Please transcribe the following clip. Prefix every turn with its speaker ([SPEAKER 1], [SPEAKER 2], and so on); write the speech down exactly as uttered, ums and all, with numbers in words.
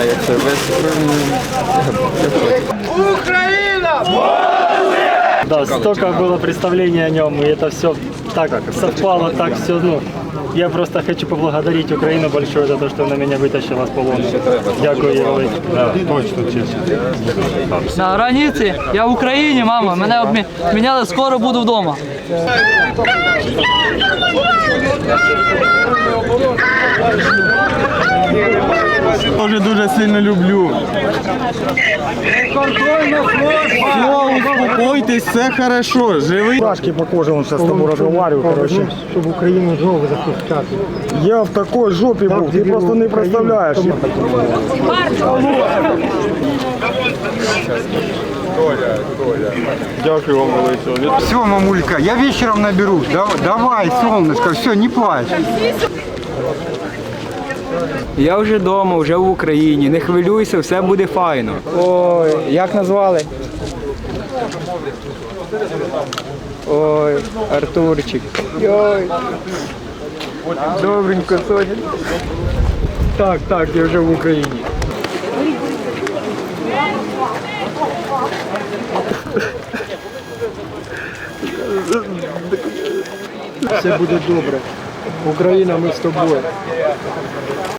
[SPEAKER 1] знаю, як це вести.
[SPEAKER 2] Украина!
[SPEAKER 3] Да, столько было представлений о нем, и это все так совпало, так все, ну, я просто хочу поблагодарить Украину большое за то, что она меня вытащила с полона. Дякую, їй велике.
[SPEAKER 4] Да, точно, чесно.
[SPEAKER 5] На границі, я в Україні, мама, мене обміняли, скоро буду вдома.
[SPEAKER 4] Тоже дуже сильно люблю. Все, успокойтесь, все хорошо, живий.
[SPEAKER 3] Пашки по коже, он сейчас с тобой разговариваю, короче. Чтобы Украину жопу запускать.
[SPEAKER 4] Я в такой жопі був, ти просто не представляєш. Дякую вам велике.
[SPEAKER 6] Все, мамулька, я вечером наберусь. Давай, солнышко, все, не плачь.
[SPEAKER 1] Я вже вдома, вже в Україні. Не хвилюйся, все буде файно.
[SPEAKER 7] Ой, як назвали? Ой, Артурчик. Ой. Добренько, Соня. Так, так, я вже в Україні.
[SPEAKER 3] Все буде добре. Україна, ми з тобою.